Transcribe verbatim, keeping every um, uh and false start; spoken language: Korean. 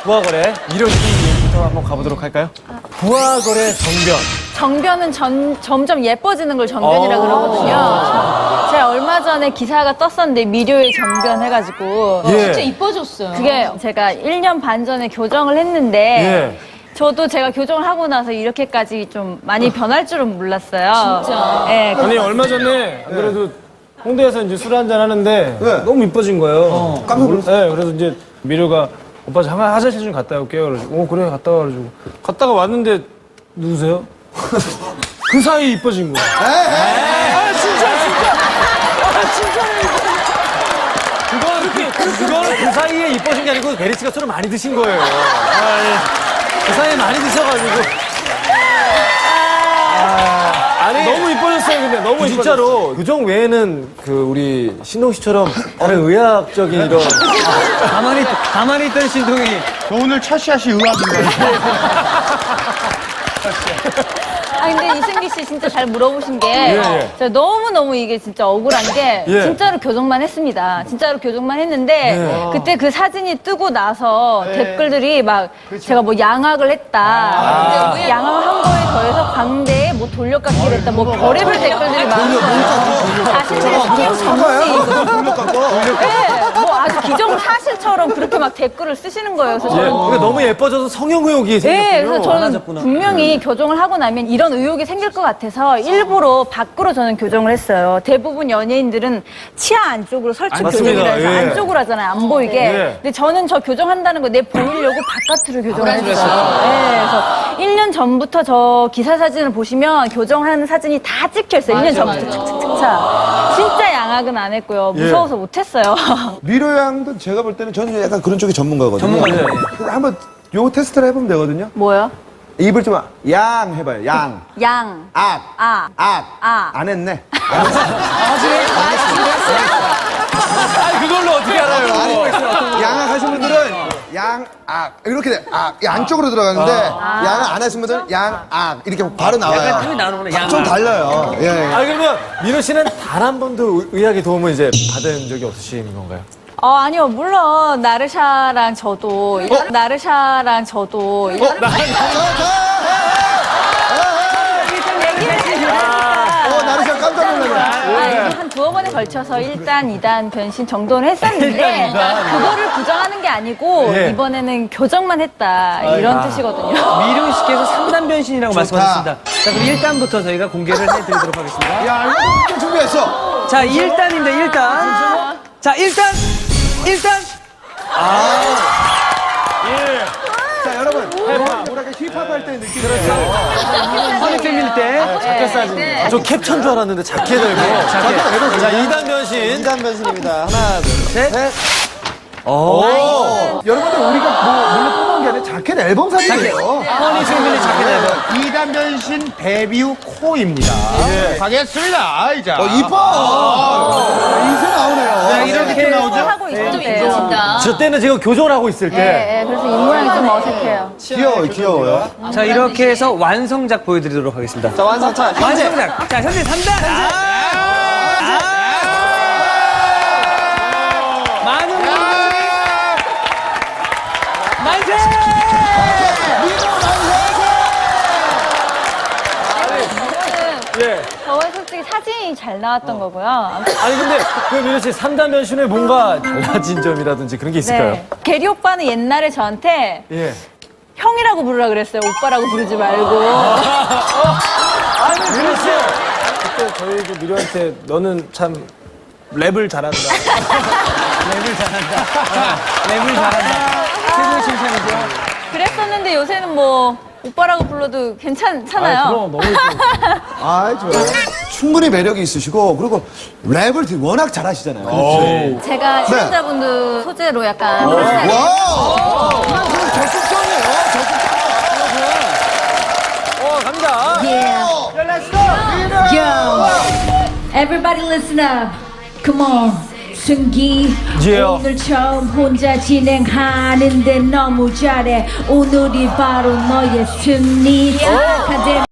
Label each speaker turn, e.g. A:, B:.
A: 부하거래 미려 씨 얘기부터 한번 가보도록 할까요? 부하거래 정변.
B: 정변은 전, 점점 예뻐지는 걸 정변이라 그러거든요. 제가 얼마 전에 기사가 떴었는데 미료의 정변 해가지고
A: 예.
C: 진짜 이뻐졌어요.
B: 그게 제가 일 년 반 전에 교정을 했는데
A: 예.
B: 저도 제가 교정을 하고 나서 이렇게까지 좀 많이 변할 줄은 몰랐어요.
C: 진짜.
B: 예,
A: 아니 얼마 전에 안 그래도 홍대에서 이제 술 한잔 하는데
D: 네.
A: 너무 이뻐진 거예요.
D: 어, 깜짝 놀랐어요.
A: 네, 그래서 이제 미료가 오빠 저 한번 화장실 좀 갔다 올게요. 그래가지고 어 그래 갔다 와가지고 갔다가 왔는데 누구세요? 그 사이에 이뻐진 거야. 아 진짜 진짜. 아 진짜네. 그건 그, 그거는 그 사이에 이뻐진 게 아니고 베리 씨가 술을 많이 드신 거예요. 아, 예. 그 사이에 많이 드셔가지고. 아니, 너무 이뻐졌어요, 근데 너무 진짜로 교정 외에는 그 우리 신동 씨처럼 다른 의학적인 이런
E: 가만히, 가만히 있던 신동이.
D: 저 오늘 첫 샷이 의학인가요?
B: 아 근데 이승기 씨 진짜 잘 물어보신 게
A: 예, 예.
B: 제가 너무너무 이게 진짜 억울한 게
A: 예.
B: 진짜로 교정만 했습니다. 진짜로 교정만 했는데
A: 예.
B: 그때 그 사진이 뜨고 나서 댓글들이 막 제가 뭐 양악을 했다.
A: 아.
B: 양악을 한 거에 더해서 광대에 뭐 돌려깎기를 했다. 뭐 별의별 댓글들이 많아서 자신들의 성형 전문이거든요. 네, 뭐 아주 기정 사실처럼 그렇게 막 댓글을 쓰시는 거예요. 그래서
A: 예.
B: 저는
A: 그러니까 너무 예뻐져서 성형 의혹이 생겼군요.
B: 네, 그래서 저는
E: 많아졌구나.
B: 분명히 교정을 하고 나면 이런 의혹이 생길 것 같아서 일부러 밖으로 저는 교정을 했어요. 대부분 연예인들은 치아 안쪽으로 설치
A: 맞습니다.
B: 교정이라 해서
A: 예.
B: 안쪽으로 하잖아요. 안 보이게.
A: 예.
B: 근데 저는 저 교정한다는 거 내 보이려고 바깥으로 교정을 했어요. 네, 그래서 일 년 전부터 저 기사 사진을 보시면 교정하는 사진이 다 찍혀 있어요. 일 년 전부터 착착착착. 진짜 양악은 안 했고요. 무서워서 못 했어요.
D: 미로 양도 제가 볼 때는 저는 약간 그런 쪽이 전문가거든요.
E: 전문가죠.
D: 그래서 한번 요 테스트를 해보면 되거든요.
B: 뭐요?
D: 입을 좀 양 해봐요. 양.
B: 양.
D: 악.
B: 아.
D: 악.
B: 아.
D: 안 했네.
A: 아니, 그걸로 어떻게 알아요?
D: 양악 하신 분들은 양악 이렇게 돼. 악. 이 안쪽으로 들어가는데 양악 안 하신 분들은 양악 이렇게 바로
E: 약간 틈이
D: 나와요.
E: 나오는구나, 양.
D: 좀 달라요. 예. 예.
A: 아 그러면 민호 씨는 단 한 번도 의- 의학의 도움을 이제 받은 적이 없으신 건가요?
B: 어, 아니요. 물론, 나르샤랑 저도, 나르샤랑 저도,
D: 자, 자,
B: 얘기를
D: 어, 나르샤 깜짝 놀랐네.
B: 한 두어 번에 걸쳐서 일 단, 이 단 변신 정도는 했었는데, 그거를 부정하는 게 아니고,
A: 예.
B: 이번에는 교정만 했다. 이런 뜻이거든요.
E: 미룡 씨께서 삼 단 변신이라고
D: 좋다.
E: 말씀하셨습니다. 자, 그럼 일 단부터 저희가 공개를 해드리도록 하겠습니다.
D: 야, 이거 준비했어.
E: 자, 일 단입니다, 일 단. 자, 일 단! 일 단!
D: 자, 여러분. 뭐랄까 힙합 할 때 느낌. 그렇죠.
E: 허리 빼밀 때.
A: 자켓 사진. 아, 저 캡처인 줄 알았는데 자켓을 입고.
E: 자켓.
A: 자, 이 단 변신.
D: 인간 변신입니다. 하나, 둘,
E: 셋.
D: 셋.
A: 오.
D: 여러분들 우리가 뭐 물론 뽑은 게 아니라 자켓 앨범 사진이에요.
E: 허니 승민의 자켓 앨범.
F: 이단 변신 데뷔 후 코입니다. 가겠습니다. 아이자.
D: 어, 이뻐. 인쇄 나오네요.
F: 자, 이렇게 또 나오죠?
B: 하고 있을
C: 좀
B: 때요.
C: 이뻐진다.
A: 저 때는 제가 교정을 하고 있을 때.
B: 네, 그래서 입 모양이 좀 어색해요.
D: 귀여워요, 귀여워요.
E: 자, 이렇게 해서 완성작 보여드리도록 하겠습니다.
D: 자, 완성 차.
E: 완성작. 자, 현재 삼 단. 아! 많은 분들이 만세!
A: 예.
B: 저의 솔직히 사진이 잘 나왔던 거고요.
A: 아니 근데 그 민호 씨 삼 단 변신에 뭔가 달라진 점이라든지 그런 게 있을까요?
B: 네. 게리 오빠는 옛날에 저한테
A: 예.
B: 형이라고 부르라 그랬어요. 오빠라고 부르지 말고.
A: 아니 민호 씨. 그때 저희 그 미료한테 너는 참 랩을 잘한다.
E: 랩을 잘한다. 랩을 잘한다. 최고의 칭찬이죠.
B: 그랬었는데 요새는 뭐 오빠라고 불러도 괜찮잖아요.
A: 아, 그럼 너무 예뻐.
D: 아, 좋아요. 충분히 매력이 있으시고, 그리고 랩을 되게 워낙 잘하시잖아요.
B: 제가 시청자분들 소재로 약간 프리스타일.
D: 와우! 그냥 그냥 적극적이에요, 적극적.
A: 어 갑니다.
G: Everybody listen up. Come on. 승기
A: Yeah.
G: 오늘 처음 혼자 진행하는데 너무 잘해. 오늘이 바로 너의 승리.